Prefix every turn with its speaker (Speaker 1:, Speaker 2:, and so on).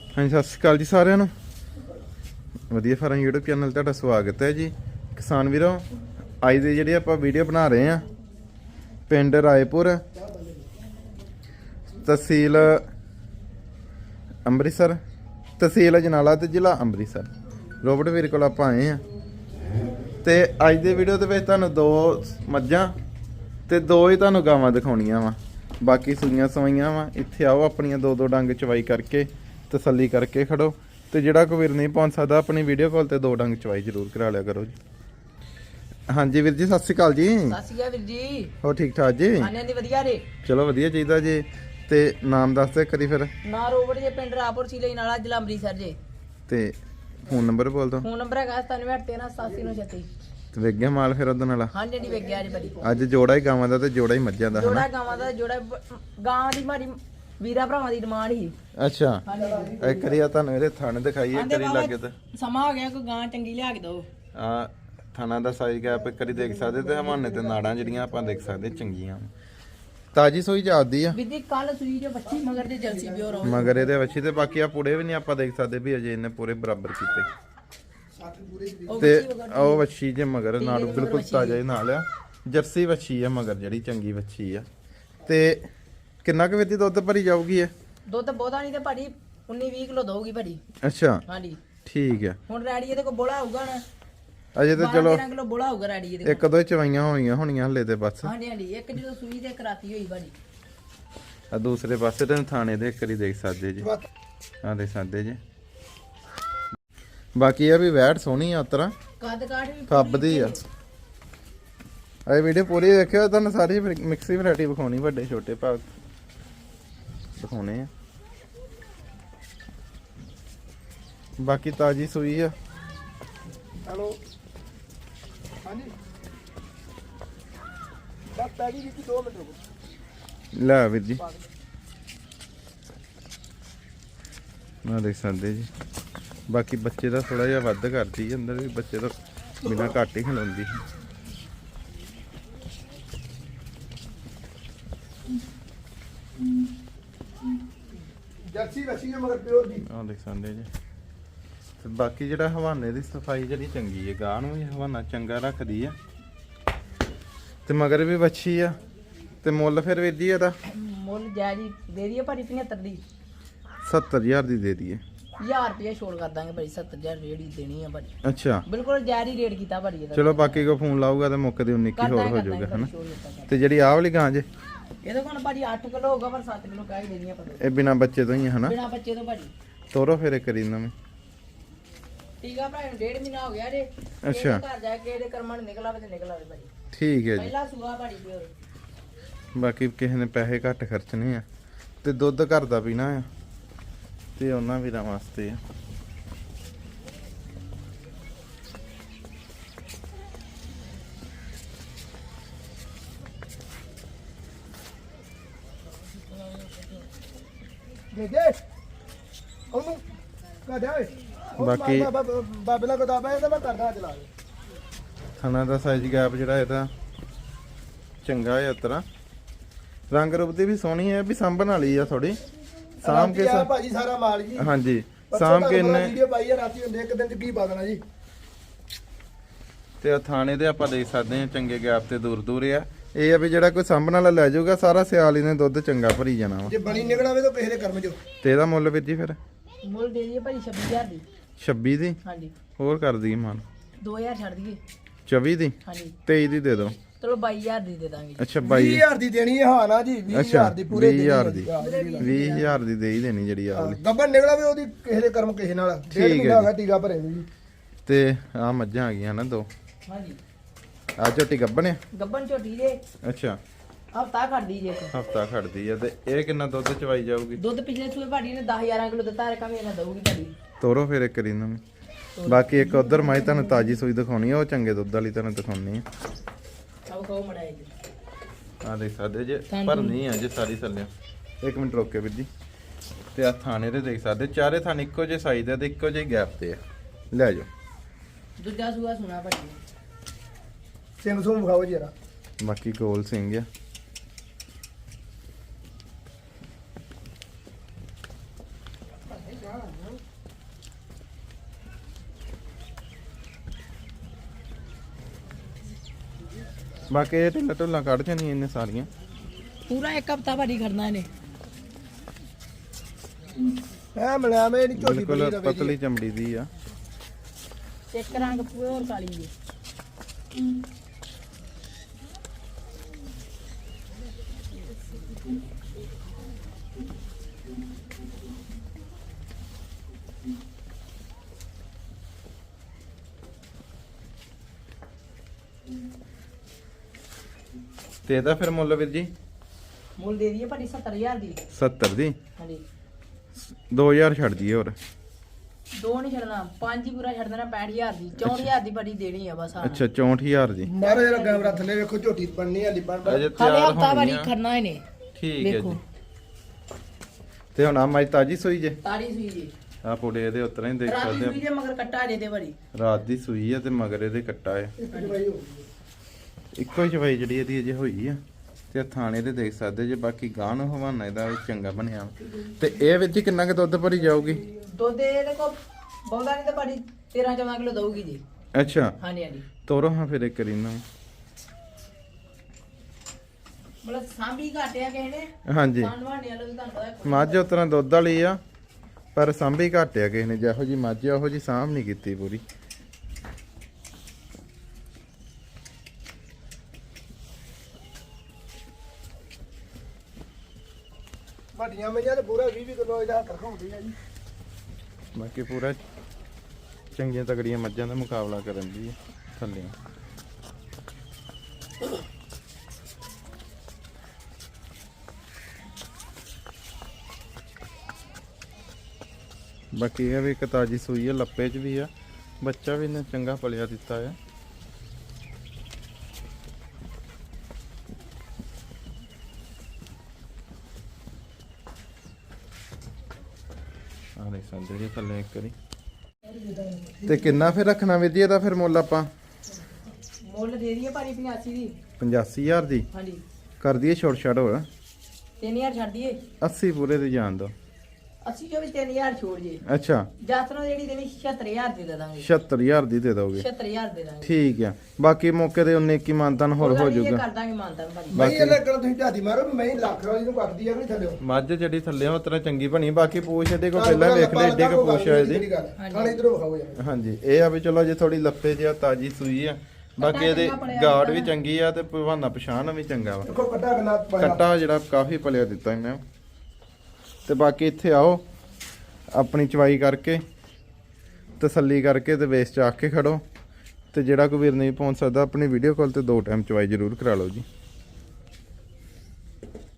Speaker 1: ਹਾਂਜੀ ਸਤਿ ਸ਼੍ਰੀ ਅਕਾਲ ਜੀ ਸਾਰਿਆਂ ਨੂੰ। ਵਧੀਆ ਫਾਰਮ YouTube ਚੈਨਲ ਤੁਹਾਡਾ ਸਵਾਗਤ ਹੈ ਜੀ। ਕਿਸਾਨ ਵੀਰੋ, ਅੱਜ ਦੀ ਜਿਹੜੀ ਆਪਾਂ ਵੀਡੀਓ ਬਣਾ ਰਹੇ ਆ ਪਿੰਡ ਰਾਏਪੁਰ, ਤਹਿਸੀਲ ਅੰਮ੍ਰਿਤਸਰ, ਤਹਿਸੀਲ ਅਜਨਾਲਾ ਤੇ ਜ਼ਿਲ੍ਹਾ ਅੰਮ੍ਰਿਤਸਰ। ਰੋਬਟ ਵੀਰ ਕੋਲ ਆਪਾਂ ਆਏ ਆ ਤੇ ਅੱਜ ਦੀ ਵੀਡੀਓ ਦੇ ਵਿੱਚ ਤੁਹਾਨੂੰ 2 ਮੱਝਾਂ ਤੇ 2 ਹੀ ਤੁਹਾਨੂੰ ਗਾਵਾਂ ਦਿਖਾਉਣੀਆਂ ਵਾ। ਬਾਕੀ ਸੂਈਆਂ ਸਵਾਈਆਂ ਵਾ। ਇੱਥੇ ਆਓ, ਆਪਣੀਆਂ 2-2 ਡੰਗ ਚਵਾਈ ਕਰਕੇ ਤਸੱਲੀ ਕਰਕੇ ਖੜੋ। ਤੇ ਜਿਹੜਾ ਕੋਈ ਵੀਰ ਨਹੀਂ ਪਹੁੰਚ ਸਕਦਾ, ਆਪਣੀ ਵੀਡੀਓ ਕਾਲ ਤੇ 2 ਡੰਗ ਚਵਾਈ ਜ਼ਰੂਰ ਕਰਾ ਲਿਆ ਕਰੋ ਜੀ। ਹਾਂਜੀ ਵੀਰ ਜੀ, ਸਤਿ ਸ਼੍ਰੀ ਅਕਾਲ ਜੀ।
Speaker 2: ਸਤਿ ਸ਼੍ਰੀ ਅਕਾਲ ਵੀਰ ਜੀ।
Speaker 1: ਹੋ ਠੀਕ ਠਾਕ ਜੀ?
Speaker 2: ਹਾਂਜੀ ਵਧੀਆ ਰੇ।
Speaker 1: ਚਲੋ ਵਧੀਆ ਚਾਹੀਦਾ ਜੀ। ਤੇ ਨਾਮ ਦੱਸ ਦੇ ਕਰੀ ਫਿਰ।
Speaker 2: ਨਾ ਰੋਬਟ ਜੇ ਪਿੰਡ ਰਾਪੁਰ ਸੀਲੇ ਨਾਲਾ ਜ਼ਿਲ੍ਹਾ ਅੰਮ੍ਰਿਤਸਰ ਜੇ।
Speaker 1: ਤੇ ਫੋਨ ਨੰਬਰ ਬੋਲ ਦੋ।
Speaker 2: ਫੋਨ ਨੰਬਰ ਹੈਗਾ 9713878936।
Speaker 1: ਤੇ ਵੇਖ ਗਿਆ ਮਾਲ ਫਿਰ ਉਹਦੇ ਨਾਲ?
Speaker 2: ਹਾਂਜੀ ਵੇਖ ਗਿਆ ਜੀ ਬੜੀ।
Speaker 1: ਅੱਜ ਜੋੜਾ ਹੀ ਗਾਵਾਂ ਦਾ ਤੇ ਜੋੜਾ ਹੀ ਮੱਝਾਂ ਦਾ,
Speaker 2: ਜੋੜਾ
Speaker 1: ਹਨਾ?
Speaker 2: ਗਾਵਾਂ ਦਾ ਜੋੜਾ ਗਾਂ ਦੀ ਮਾਰੀ ਵੀਰਾ ਭਰਾਵਾਂ ਦੀ ਡਿਮਾਂਡ ਸੀ।
Speaker 1: ਅੱਛਾ,
Speaker 2: ਹਾਂਜੀ
Speaker 1: ਇੱਕ ਵਾਰੀ ਆ ਤੁਹਾਨੂੰ ਇਹਦੇ ਥਣ ਦਿਖਾਈਏ, ਕਰੀ ਲੱਗੇ ਤੇ
Speaker 2: ਸਮਾਂ ਹੋ ਗਿਆ, ਕੋਈ ਗਾਂ ਚੰਗੀ ਲਿਆ ਕੇ ਦਿਓ।
Speaker 1: ਆ ਥਾਣਾ ਦਾ ਸਾਈਜ਼ ਗੈਪ ਇੱਕ ਵਾਰੀ ਦੇਖ ਸਕਦੇ ਤੇ ਹਵਾਨੇ ਤੇ ਨਾੜਾਂ ਜਿਹੜੀਆਂ ਆਪਾਂ ਦੇਖ ਸਕਦੇ ਚੰਗੀਆਂ। ਤਾਜੀ ਸੋਈ ਜਾਂਦੀ ਆ
Speaker 2: ਵੀਰ ਜੀ ਕੱਲ ਸੂਈ ਜੋ ਬੱਚੀ ਮਗਰ ਦੇ ਜਲਸੀ ਪਿਓਰ ਹੋ
Speaker 1: ਮਗਰ ਇਹਦੇ ਵੱਛੀ ਤੇ ਬਾਕੀ ਆ ਪੁੜੇ ਵੀ ਨਹੀਂ ਆਪਾਂ ਦੇਖ ਸਕਦੇ ਵੀ ਅਜੇ ਇਹਨੇ ਪੂਰੇ ਬਰਾਬਰ ਕੀਤੇ। ਤੇ ਉਹ ਵੱਛੀ ਜੇ ਮਗਰ ਨਾਲ ਬਿਲਕੁਲ ਤਾਜ਼ਾ ਹੀ ਨਾਲ ਆ। ਜਰਸੀ ਵੱਛੀ ਆ ਮਗਰ, ਜਿਹੜੀ ਚੰਗੀ ਵੱਛੀ ਆ। ਤੇ ਕਿੰਨਾ ਕੁ ਵੇਦੀ ਦੁੱਧ ਭਰੀ ਜਾਊਗੀ ਇਹ?
Speaker 2: ਦੁੱਧ ਬਹੁਤਾ ਨਹੀਂ ਤੇ ਭਾਜੀ 19-20 ਕਿਲੋ ਦਊਗੀ ਭਾਜੀ।
Speaker 1: ਅੱਛਾ
Speaker 2: ਹਾਂਜੀ
Speaker 1: ਠੀਕ ਆ।
Speaker 2: ਹੁਣ ਰੈਡੀ ਇਹਦੇ ਕੋਲ ਬੋਲਾ ਹੋਊਗਾ ਨਾ,
Speaker 1: ਅਜੇ ਤੇ ਚਲੋ
Speaker 2: 12 ਕਿਲੋ ਬੋਲਾ ਹੋਊਗਾ ਰੈਡੀ ਇਹਦੇ ਕੋਲ।
Speaker 1: ਇੱਕ ਦੋ ਚਵਾਈਆਂ ਹੋਣੀਆਂ ਹਲੇ ਤੇ ਬਸ।
Speaker 2: ਹਾਂਜੀ ਹਾਂਜੀ, ਇੱਕ ਜਦੋਂ ਸੂਈ ਤੇ ਕਰਾਤੀ ਹੋਈ ਭਾਜੀ।
Speaker 1: ਆ ਦੂਸਰੇ ਪਾਸੇ ਤੇ ਥਾਣੇ ਦੇ ਇੱਕ ਵਾਰੀ ਦੇਖ ਸਕਦੇ ਜੀ। ਆ ਦੇਖ ਸਕਦੇ ਜੀ। ਬਾਕੀ ਇਹ ਵੀ ਵੈਟ ਸੋਹਣੀ ਆ ਉਤਰਾ,
Speaker 2: ਕੱਦ ਕਾਠ ਵੀ
Speaker 1: ਫੱਬਦੀ ਆ। ਇਹ ਵੀਡੀਓ ਪੂਰੀ ਦੇਖਿਓ, ਤੁਹਾਨੂੰ ਸਾਰੀ ਮਿਕਸੀ ਵੈਰਾਈਟੀ ਵਿਖਾਉਣੀ, ਵੱਡੇ ਛੋਟੇ ਭਾਗ ਦਿਖਾਉਣੇ ਆ। ਬਾਕੀ ਤਾਜੀ ਸੂਈ ਆ।
Speaker 3: ਹੈਲੋ ਹਾਂਜੀ ਬਸ ਪੈ ਗਈ ਜੀ, 2 ਮਿੰਟ ਰੁਕੋ।
Speaker 1: ਲੈ ਵੀਰ ਜੀ, ਆ ਦੇਖ ਸਕਦੇ ਜੀ। ਬਾਕੀ ਬੱਚੇ ਦਾ ਥੋੜਾ ਜਿਹਾ ਵੱਧ ਕਰਦੀ ਹੈ, ਅੰਦਰ ਵੀ ਬੱਚੇ ਤੋਂ ਬਿਨਾਂ ਘੱਟ ਹੀ ਖਿਲਾਉਂਦੀ ਹੈ।
Speaker 3: ਜਰਸੀ ਰੱਸੀ ਹੈ ਮਗਰ ਪਿਓਰ ਦੀ।
Speaker 1: ਆਹ ਦੇਖ ਸਕਦੇ ਜੀ। ਤੇ ਬਾਕੀ ਜਿਹੜਾ ਹਵਾਨੇ ਦੀ ਸਫਾਈ ਜਿਹੜੀ ਚੰਗੀ ਹੈ, ਗਾਂ ਨੂੰ ਵੀ ਹਵਾਨਾ ਚੰਗਾ ਰੱਖਦੀ ਆ। ਤੇ ਮਗਰ ਵੀ ਵੱਛੀ ਆ। ਤੇ ਮੁੱਲ ਫਿਰ ਵੀਰ ਜੀ ਇਹਦਾ?
Speaker 2: ਮੁੱਲ ਜਾਇਜ਼ ਦੇ ਦਈਏ ਭਾਜੀ 75 ਦੀ।
Speaker 1: 70000 ਦੀ ਦੇ ਦਈਏ।
Speaker 2: 1000 ਰੁਪਏ ਛੋੜ ਕਰ ਦਾਂਗੇ ਭਾਜੀ। 70000 ਰੇਟ ਹੀ ਦੇਣੀ ਆ ਭਾਜੀ।
Speaker 1: ਅੱਛਾ
Speaker 2: ਬਿਲਕੁਲ ਜਾਇਜ਼ ਰੇਟ ਕੀਤਾ ਭਾਜੀ ਇਹਦਾ।
Speaker 1: ਚਲੋ, ਬਾਕੀ ਕੋ ਫੋਨ ਲਾਊਗਾ ਤੇ ਮੁੱਕ ਦੀ 19 ਹੋਰ ਹੋ ਜਾਊਗਾ, ਹਨਾ?
Speaker 2: ਇਹਦੇ
Speaker 1: ਤੇ ਜਿਹੜੀ ਆਹ ਵਾਲੀ ਗਾਂ ਜੇ,
Speaker 2: ਕੋਲ ਭਾਜੀ 8 ਕਿਲੋ ਹੋਊਗਾ, ਪਰ 7 ਕਿਲੋ ਕਹਿ ਹੀ ਦੇਣੀ ਆ ਭਾਜੀ।
Speaker 1: ਇਹ ਬਿਨਾ ਬੱਚੇ ਤੋਂ ਹੀ ਹੈ, ਹਨਾ?
Speaker 2: ਬਿਨਾ ਬੱਚੇ ਤੋਂ ਭਾਜੀ।
Speaker 1: ਤੋਰੋ ਫਿਰ ਇੱਕ ਵਾਰੀ ਨਵੇਂ।
Speaker 2: ਠੀਕ ਆ ਭਾਈ, 1.5 ਮਹੀਨਾ ਹੋ ਗਿਆ ਜੇ।
Speaker 1: ਅੱਛਾ।
Speaker 2: ਇਹਦੇ ਘਰ ਜਾ ਕੇ ਇਹਦੇ ਕਰਮਾਂ ਨੂੰ ਨਿਕਲ ਆਵੇ ਤੇ ਨਿਕਲ ਆਵੇ ਭਾਜੀ।
Speaker 1: ਠੀਕ ਹੈ ਜੀ।
Speaker 2: ਪਹਿਲਾ ਸੂਆ ਭਾਜੀ ਪਿਓਰ।
Speaker 1: ਬਾਕੀ ਕਿਸੇ ਨੇ ਪੈਸੇ ਘੱਟ ਖਰਚਣੇ ਆ ਤੇ ਦੁੱਧ ਘਰ ਦਾ ਪੀਣਾ ਆ, ਤੇ ਉਹਨਾਂ ਵੀਰਾਂ ਵਾਸਤੇ ਆ।
Speaker 3: ਦੇ ਦੇ ਉਹਨੂੰ ਕਹਦਾ ਓਏ।
Speaker 1: ਬਾਕੀ
Speaker 3: ਬਾਬੇ ਨਾਲ ਕਹਦਾ ਇਹ ਤਾਂ ਮੈਂ ਕਰਦਾ ਚਲਾ ਦੇ।
Speaker 1: ਥਣਾ ਦਾ ਸਾਈਜ਼ ਗੈਪ ਜਿਹੜਾ ਇਹਦਾ ਚੰਗਾ ਹੈ ਉਤਰਾ। ਰੰਗ ਰੂਪ ਦੀ ਵੀ ਸੋਹਣੀ ਹੈ, ਵੀ ਸਾਂਭਣ ਵਾਲੀ ਆ ਥੋੜੀ। ਸਾਂਭ ਕੇ
Speaker 3: ਆ ਭਾਜੀ ਸਾਰਾ ਮਾਲ ਜੀ।
Speaker 1: ਹਾਂਜੀ ਸਾਂਭ ਕੇ ਇਹਨੇ
Speaker 3: ਵੀਡੀਓ ਪਾਈ ਆ ਰਾਤੀ, ਹੁੰਦੇ ਇੱਕ ਦਿਨ ਚ ਕੀ ਪਾ ਦੇਣਾ ਜੀ।
Speaker 1: ਤੇ ਥਾਣੇ ਦੇ ਆਪਾਂ ਦੇਖ ਸਕਦੇ ਹਾਂ ਚੰਗੇ ਗੈਪ ਤੇ ਦੂਰ ਦੂਰ ਆ। ਇਹ ਆ ਵੀ ਜਿਹੜਾ ਕੋਈ ਸਾਂਭਣ ਵਾਲਾ ਲੈ ਜਾਊਗਾ, ਸਾਰਾ ਸਿਆਲ ਇਹਨੇ ਦੁੱਧ ਚੰਗਾ ਭਰੀ ਜਾਣਾ ਵਾ।
Speaker 3: ਜੇ ਬਣੀ ਨਿਕਲਾਵੇ ਤਾਂ ਕਿਸੇ ਦੇ ਕਰਮ ਚੋਂ।
Speaker 1: ਤੇ ਇਹਦਾ ਮੁੱਲ ਵੀਰ ਜੀ ਫਿਰ?
Speaker 2: ਮੁੱਲ ਦੇ ਦਈਏ ਭਾਜੀ 26000 ਦੀ।
Speaker 1: 26 ਦੀ?
Speaker 2: ਹਾਂਜੀ।
Speaker 1: ਹੋਰ ਕਰ ਦਈਏ ਮਾਨ?
Speaker 2: 2000 ਛੱਡ ਦਈਏ।
Speaker 1: 24 ਦੀ?
Speaker 2: ਹਾਂਜੀ
Speaker 1: 23 ਦੀ ਦੇ ਦਿਓ।
Speaker 2: ਚਲੋ 22000 ਦੀ ਦੇ ਦਾਂਗੇ।
Speaker 1: ਅੱਛਾ 22।
Speaker 3: 20000 ਦੀ ਦੇਣੀ ਹੈ। ਹਾਂ ਨਾ ਜੀ, 20000 ਦੀ ਪੂਰੇ
Speaker 1: 20000 ਦੀ 20000 ਦੀ ਦੇ ਹੀ ਦੇਣੀ ਜਿਹੜੀ ਆ ਵਾਲੀ।
Speaker 3: ਗੱਬਨ ਨਿਕਲਾਵੇ ਉਹਦੀ ਕਿਸੇ ਦੇ ਕਰਮ ਕਿਸੇ ਨਾਲ।
Speaker 1: ਠੀਕ ਹੈ ਜੀ।
Speaker 3: ਹੈਗਾ ਟੀਕਾ ਭਰੇ ਨੂੰ ਜੀ।
Speaker 1: ਤੇ ਆ ਮੱਝਾਂ ਆ ਗਈਆਂ ਨਾ 2।
Speaker 2: ਹਾਂਜੀ।
Speaker 1: ਆ ਝੋਟੀ ਗੱਬਣ ਆ?
Speaker 2: ਗੱਬਨ ਝੋਟੀ ਦੇ
Speaker 1: ਅੱਛਾ,
Speaker 2: ਹਫਤਾ ਖੜਦੀ ਜੇ।
Speaker 1: ਹਫਤਾ ਖੜਦੀ ਆ। ਤੇ ਇਹ ਕਿੰਨਾ ਦੁੱਧ ਚਵਾਈ ਜਾਊਗੀ?
Speaker 2: ਦੁੱਧ ਪਿਛਲੇ ਸੂਏ ਭਾਜੀ ਨੇ 10-11 ਕਿਲੋ ਦਿੱਤਾ, ਰਕਮ ਇਹਨਾਂ ਦਊਗੀ ਭਾਜੀ।
Speaker 1: ਤੋਰੋ ਫਿਰ ਇੱਕ ਵਾਰੀ ਨਵੀਂ। ਬਾਕੀ ਇੱਕ ਉਧਰ ਮਾਈ ਤੁਹਾਨੂੰ ਤਾਜੀ ਸੂਈ ਦਿਖਾਉਣੀ ਆ, ਉਹ ਚੰਗੇ ਦੁੱਧ ਵਾਲੀ ਤੁਹਾਨੂੰ ਦਿਖਾਉਣੀ ਆ।
Speaker 2: ਆਓ ਕਹੋ ਮੜਾਏ ਜੀ।
Speaker 1: ਆ ਦੇਖ ਸਕਦੇ ਜੇ, ਪਰ ਨਹੀਂ ਆ ਜੇ ਸਾਰੀ ਥੱਲੇ। ਇੱਕ ਮਿੰਟ ਰੁਕ ਕੇ ਵੀਰ ਜੀ। ਤੇ ਆ ਥਾਣੇ ਤੇ ਦੇਖ ਸਕਦੇ, ਚਾਰੇ ਥਾਣੇ ਇੱਕੋ ਜਿਹੇ ਸਾਈਜ਼ ਦੇ ਤੇ ਇੱਕੋ ਜਿਹੇ ਗੈਪ ਤੇ ਆ। ਲੈ ਜਾਓ।
Speaker 2: ਦੂਜਾ ਸੂਆ ਸੁਣਾ ਭਾਜੀ।
Speaker 3: ਸਿੰਘ ਸੁਮ ਵਿਖਾਓ ਜਰਾ।
Speaker 1: ਬਾਕੀ ਗੋਲ ਸਿੰਘ ਆ। ਬਾਕੀ ਇਹ ਢਿੱਲਾ ਢੁੱਲਾ ਕੱਢ ਜਾਣੀ ਇਹਨੇ ਸਾਰੀਆਂ।
Speaker 2: ਪੂਰਾ ਇੱਕ ਹਫਤਾ ਭਾਜੀ ਖੜਨਾ ਇਹਨੇ।
Speaker 3: ਐ ਮਿਲਿਆ ਮੈਂ ਨਹੀਂ ਝੋਟੀ
Speaker 1: ਬਿਲਕੁਲ
Speaker 3: ਬਣੀ ਰਵੇ
Speaker 1: ਪਤਲੀ ਚਮੜੀ ਦੀ ਆ।
Speaker 2: ਇੱਕ ਰੰਗ ਪਿਓਰ ਕਾਲੀ ਜੀ।
Speaker 1: ਤੇ ਇਹਦਾ ਫਿਰ ਮੁੱਲ ਵੀਰ ਜੀ
Speaker 2: ਮੁੱਲ ਦੇ ਦਈਏ ਭਾਜੀ 70000 ਦੀ।
Speaker 1: 70 ਦੀ।
Speaker 2: ਹਾਂਜੀ
Speaker 1: 2000 ਛੱਡ ਦਈਏ ਹੋਰ।
Speaker 2: ਦੋ ਨਹੀਂ ਛੱਡਣਾ, 5 ਹੀ ਪੂਰਾ ਛੱਡ ਦੇਣਾ 65000 ਦੀ। 64000 ਦੀ ਭਾਜੀ ਦੇਣੀ ਆ ਬਸ।
Speaker 1: ਅੱਛਾ 64000 ਦੀ।
Speaker 3: ਮਾਰੋ ਜਰਾ ਕੈਮਰਾ ਥੱਲੇ ਵੇਖੋ ਝੋਟੀ ਬਣਨੀ ਆ ਲਿਪਣ
Speaker 1: ਅਜੇ
Speaker 2: ਹਾਲੇ
Speaker 1: ਤਿਆਰ
Speaker 2: ਹਫਤਾ
Speaker 1: ਹੋਣੀ
Speaker 2: ਭਾਜੀ
Speaker 1: ਆ।
Speaker 2: ਖੜਨਾ ਇਹਨੇ।
Speaker 1: ਠੀਕ ਹੈ
Speaker 2: ਦੇਖੋ
Speaker 1: ਜੀ। ਤੇ ਹੁਣ ਆ ਮਾਈ ਤਾਜੀ ਸੂਈ ਜੇ।
Speaker 2: ਤਾਰੀ ਸੂਈ ਜੀ।
Speaker 1: ਆ ਪੁੜੇ ਇਹਦੇ ਉਤਰਾਂ ਹੀ ਦੇਖ
Speaker 2: ਰਾਤੀ
Speaker 1: ਸਕਦੇ
Speaker 2: ਸੂਈ ਜੇ ਮਗਰ ਕੱਟਾ ਜੇ ਤੇ ਭਾਜੀ।
Speaker 1: ਆ। ਰਾਤ ਦੀ ਸੂਈ ਆ ਤੇ ਮਗਰ ਇਹਦੇ ਕੱਟਾ ਆ। ਇੱਕੋ ਹੀ ਚਵਾਈ ਜਿਹੜੀ ਇਹਦੀ ਅਜੇ ਹੋਈ ਆ ਤੇ ਥਾਣੇ ਤੇ ਦੇਖ ਸਕਦੇ ਜੇ। ਬਾਕੀ ਗਾਂ ਨੂੰ ਹਵਾਨਾ ਇਹਦਾ ਵੀ ਚੰਗਾ ਬਣਿਆ। ਤੇ ਇਹ ਵਿੱਚ ਹੀ ਕਿੰਨਾ ਕੁ ਦੁੱਧ ਭਰੀ ਜਾਊਗੀ?
Speaker 2: ਦੁੱਧ ਇਹਦੇ ਕੋ ਬਹੁਤਾ ਨਹੀਂ ਤਾਂ ਭਾਜੀ 13-14 ਕਿਲੋ ਦਊਗੀ ਜੀ।
Speaker 1: ਅੱਛਾ
Speaker 2: ਹਾਂਜੀ ਹਾਂਜੀ।
Speaker 1: ਤੋਰੋ ਹਾਂ ਫਿਰ ਇੱਕ ਰੀਨਾ।
Speaker 2: ਮਤਲਬ ਸਾਂਭੀ ਘਾਟਿਆ ਕਿਸੇ ਨੇ।
Speaker 1: ਹਾਂਜੀ
Speaker 2: ਸਾਂਭਾਣੇ ਵਾਲਾ ਵੀ ਤੁਹਾਨੂੰ ਪਤਾ।
Speaker 1: ਮੱਝ ਉਤਰਾਂ ਦੁੱਧ ਵਾਲੀ ਆ ਪਰ ਸਾਂਭੀ ਘੱਟ ਆ ਕਿਸੇ ਨੇ। ਜਿਹੋ ਜੀ ਮੱਝ ਆ ਉਹੋ ਜੀ ਸਾਂਭ ਨਹੀਂ ਕੀਤੀ ਪੂਰੀ।
Speaker 3: ਵੱਡੀਆਂ ਮਈਆਂ ਤੇ ਪੂਰਾ 20 ਕਿਲੋ ਇਹਦਾ ਹੱਥ ਰਖਾਉਂਦੀ ਆ ਜੀ।
Speaker 1: ਬਾਕੀ ਪੂਰਾ ਚੰਗੀਆਂ ਤਗੜੀਆਂ ਮੱਝਾਂ ਦਾ ਮੁਕਾਬਲਾ ਕਰਨ ਦੀ ਥੱਲੇ। ਬਾਕੀ ਇਹ ਵੀ ਇੱਕ ਤਾਜੀ ਸੂਈ ਹੈ, ਲੱਪੇ 'ਚ ਵੀ ਆ। ਬੱਚਾ ਵੀ ਇਹਨੇ ਚੰਗਾ ਪਲਿਆ ਦਿੱਤਾ ਆ। ਆ ਦੇਖ ਸਕਦੇ ਜੀ ਥੱਲੇ ਇੱਕ ਵਾਰੀ। ਤੇ ਕਿੰਨਾ ਫਿਰ ਰੱਖਣਾ ਵੀਰ ਜੀ ਇਹਦਾ ਫਿਰ ਮੁੱਲ ਆਪਾਂ?
Speaker 2: ਮੁੱਲ ਦੇ ਦਈਏ ਭਾਜੀ 85 ਦੀ।
Speaker 1: 85000 ਦੀ
Speaker 2: ਹਾਂਜੀ
Speaker 1: ਕਰ ਦਈਏ ਛੋਟ ਛਾੜ ਹੋਰ।
Speaker 2: 3000 ਛੱਡ ਦਈਏ।
Speaker 1: 80 ਪੂਰੇ ਤੇ ਜਾਣ ਦੋ।
Speaker 2: 80 ਚੋਂ ਵੀ 3000 ਛੋੜ ਜੇ।
Speaker 1: ਅੱਛਾ
Speaker 2: ਜਾਤਰੋਂ ਜਿਹੜੀ ਦੇਣੀ 76000 ਦੀ ਦੇ ਦਾਂਗੇ।
Speaker 1: 76000 ਦੀ ਦੇ ਦੋਗੇ?
Speaker 2: 76000 ਦੇ ਦਾਂਗੇ।
Speaker 1: ਠੀਕ ਆ। ਬਾਕੀ ਮੌਕੇ ਤੇ 19 ਕੀ ਮਾਨਤਨ ਹੋਰ ਹੋ ਜਾਊਗਾ।
Speaker 2: ਕਰ ਦਾਂਗੇ ਮਾਨਤਾ ਭਾਜੀ।
Speaker 3: ਮੈਂ ਇਹ ਲੱਗਣਾ ਤੁਸੀਂ ਝਾਤੀ ਮਾਰੋ ਵੀ ਮੈਂ ਲੱਖ ਵਾਲੀ ਨੂੰ ਕੱਟਦੀ ਆ ਕਿ ਨਹੀਂ ਥੱਲੇ।
Speaker 1: ਮੱਝ ਜਿਹੜੀ ਥੱਲੇ ਉਹ ਤਰ੍ਹਾਂ ਚੰਗੀ ਬਣੀ। ਬਾਕੀ ਪੂਛ ਇਹਦੇ ਕੋਲ ਪਹਿਲਾਂ ਵੇਖ ਲੈ ਏਡੇ ਕੋ ਪੂਛ ਆ ਇਹਦੀ।
Speaker 3: ਖਾਣੇ ਇਧਰੋਂ ਵਿਖਾਓ ਯਾਰ।
Speaker 1: ਹਾਂਜੀ ਇਹ ਆ ਵੀ ਚਲੋ ਜੇ ਥੋੜੀ ਲੱਪੇ ਜਿਹਾ ਤਾਜੀ ਸੂਈ ਆ। ਬਾਕੀ ਇਹਦੇ ਗਾਰਡ ਵੀ ਚੰਗੀ ਆ ਤੇ ਭਵਾਨਾ ਪਛਾਣ ਵੀ ਚੰਗਾ ਵਾ।
Speaker 3: ਦੇਖੋ ਕੱਟਾ ਕਿੰਨਾ ਪਾਇਆ।
Speaker 1: ਕੱਟਾ ਜਿਹੜਾ ਕਾਫੀ ਪਲਿਆ ਦਿੱਤਾ ਇਹਨੇ। ਤੇ ਬਾਕੀ ਇੱਥੇ ਆਓ ਆਪਣੀ ਚਵਾਈ ਕਰਕੇ ਤਸੱਲੀ ਕਰਕੇ ਤੇ ਵੇਸ ਚ ਆ ਕੇ ਖੜੋ। ਤੇ ਜਿਹੜਾ ਕੋਈ ਵੀਰ ਨਹੀਂ ਪਹੁੰਚ ਸਕਦਾ ਆਪਣੀ ਵੀਡੀਓ ਕਾਲ ਤੇ 2 ਟਾਈਮ ਚਵਾਈ ਜ਼ਰੂਰ ਕਰਾ ਲਓ ਜੀ।